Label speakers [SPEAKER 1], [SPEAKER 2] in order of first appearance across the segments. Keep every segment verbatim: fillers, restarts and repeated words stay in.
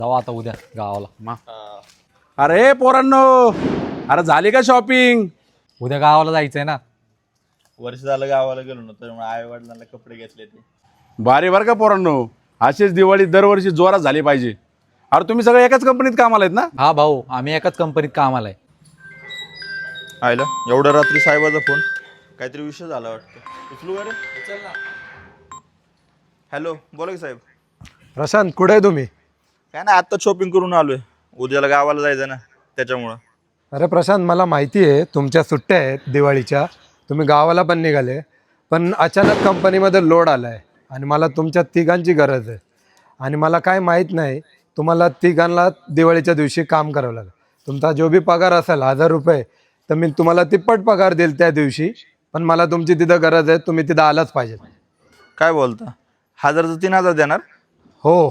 [SPEAKER 1] जाऊ आता उद्या गावाला मा
[SPEAKER 2] अरे पोरांनो, अरे झाली का शॉपिंग?
[SPEAKER 1] उद्या गावाला जायचंय ना.
[SPEAKER 3] वर्ष झालं गावाला गेलो ना, त्यामुळे आई वडिलांना कपडे घेतले ते.
[SPEAKER 2] भारी बरं का पोरांनो, अशीच दिवाळी दरवर्षी जोरात झाली पाहिजे. अरे तुम्ही सगळे एकाच कंपनीत कामाला आहेत ना?
[SPEAKER 1] हा भाऊ, आम्ही एकाच कंपनीत कामाला आहे.
[SPEAKER 3] आयला एवढ्या रात्री साहेबाचा फोन, काहीतरी विषय झाला वाटतं. उचलू का रे? हॅलो, बोला की साहेब.
[SPEAKER 4] प्रशांत, कुठे आहे तुम्ही?
[SPEAKER 3] काय ना, आत्ता शॉपिंग करून आलोय. उद्याला गावाला जायचं ना, त्याच्यामुळं.
[SPEAKER 4] अरे प्रशांत, मला माहिती आहे तुमच्या सुट्ट्या आहेत दिवाळीच्या, तुम्ही गावाला पण निघाले, पण अचानक कंपनीमध्ये लोड आला आहे आणि मला तुमच्या तिघांची गरज आहे. आणि मला काय माहीत नाही, तुम्हाला तिघांना दिवाळीच्या दिवशी काम करावं लागेल. तुमचा जो बी पगार असेल हजार रुपये, तर मी तुम्हाला तिप्पट पगार देईल त्या दिवशी. पण मला तुमची तिथं गरज आहे, तुम्ही तिथं आलाच पाहिजे.
[SPEAKER 3] काय बोलता? हजारचं तीन हजार देणार?
[SPEAKER 4] हो.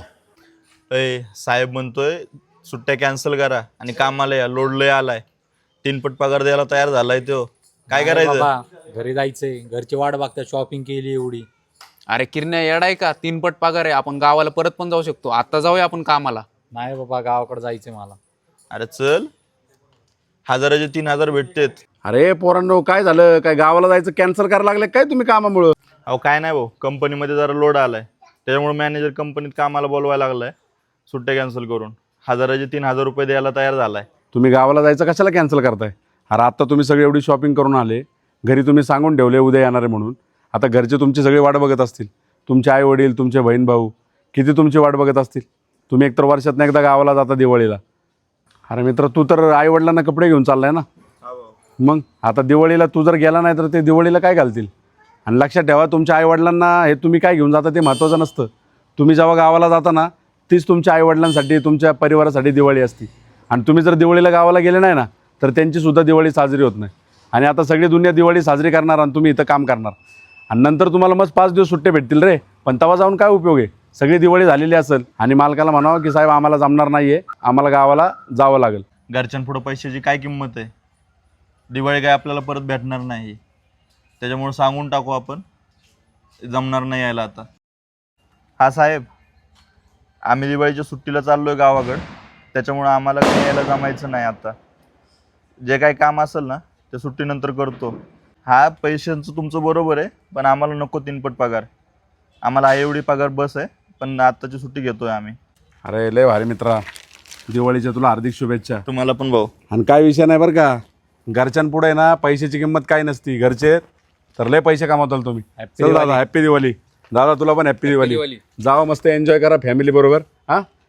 [SPEAKER 3] अय साहेब म्हणतोय सुट्ट्या कॅन्सल करा आणि कामाला या, लोड लय आलाय. तीनपट पगार द्यायला तयार झालाय तो. काय करायचं?
[SPEAKER 1] बाबा, घरी जायचंय, घरची वाट बघता, शॉपिंग केली एवढी.
[SPEAKER 5] अरे किरण्या येडा आहे का? तीन पट पगार आहे, आपण गावाला परत पण जाऊ शकतो. आता जाऊया आपण कामाला.
[SPEAKER 1] नाही बाबा, गावाकडे जायचंय मला.
[SPEAKER 3] अरे चल, हजाराचे तीन हजार भेटतेत.
[SPEAKER 2] अरे पोरांनो, काय झालं? काय गावाला जायचं कॅन्सल करायला लागले काय तुम्ही कामामुळं?
[SPEAKER 3] अहो काय नाही भाऊ, कंपनीमध्ये जरा लोड आलाय, त्याच्यामुळे मॅनेजर कंपनीत कामाला बोलवायला लागलाय. सुट्ट्या कॅन्सल करून हजाराचे तीन हजार रुपये द्यायला तयार झालाय.
[SPEAKER 2] तुम्ही गावाला जायचं कशाला कॅन्सल करताय? अरे आत्ता तुम्ही सगळे एवढी शॉपिंग करून आले, घरी तुम्ही सांगून ठेवले उद्या येणार आहे म्हणून. आता घरचे तुमची सगळी वाट बघत असतील, तुमचे आई वडील, तुमचे बहीण भाऊ किती तुमची वाट बघत असतील. तुम्ही एकतर वर्षातनं एकदा गावाला जाता दिवाळीला. अरे मित्र, तू तर आई वडिलांना कपडे घेऊन चाललाय ना, मग आता दिवाळीला तू जर गेला नाही तर ते दिवाळीला काय घालतील? आणि लक्षात ठेवा, तुमच्या आईवडिलांना हे तुम्ही काय घेऊन जाता ते महत्त्वाचं नसतं. तुम्ही जेव्हा गावाला जाता ना, तीच तुमच्या आईवडिलांसाठी, तुमच्या परिवारासाठी दिवाळी असते. आणि तुम्ही जर दिवाळीला गावाला गेले नाही ना, तर त्यांचीसुद्धा दिवाळी साजरी होत नाही. आणि आता सगळी दुनिया दिवाळी साजरी करणार आणि तुम्ही इथं काम करणार, आणि नंतर तुम्हाला मस्त पाच दिवस सुट्टे भेटतील रे. पण तेव्हा जाऊन काय उपयोग आहे? सगळी दिवाळी झालेली असेल आणि मालकाला म्हणावं की साहेब आम्हाला जमणार नाही आहे, आम्हाला गावाला जावं लागेल.
[SPEAKER 3] घरच्यांपुढं पैशाची काय किंमत आहे? दिवाळी काय आपल्याला परत भेटणार नाही, त्याच्यामुळे सांगून टाकू आपण, जमणार नाही यायला आता. हा साहेब, आम्ही दिवाळीच्या सुट्टीला चाललोय गावाकडं, त्याच्यामुळं आम्हाला काही यायला जमायचं नाही. आता जे काही काम असेल ना ते सुट्टीनंतर करतो. हा पैशांचं तुमचं बरोबर आहे, पण आम्हाला नको तीनपट पगार. आम्हाला आहे एवढी पगार बस आहे, पण आत्ताची सुट्टी घेतोय आम्ही.
[SPEAKER 2] अरे लय भारी मित्रा, दिवाळीच्या तुला हार्दिक शुभेच्छा.
[SPEAKER 3] तुम्हाला पण भाऊ.
[SPEAKER 2] आणि काय विषय नाही बरं का, घरच्यांपुढे ना पैशाची किंमत काय नसती. घरचे तर लय पैसे कमावताल तुम्ही. चल दादा, हॅप्पी दिवाळी. दादा तुला पण हॅप्पी दिवाळी. जावा मस्त एन्जॉय करा फॅमिली बरोबर. हां.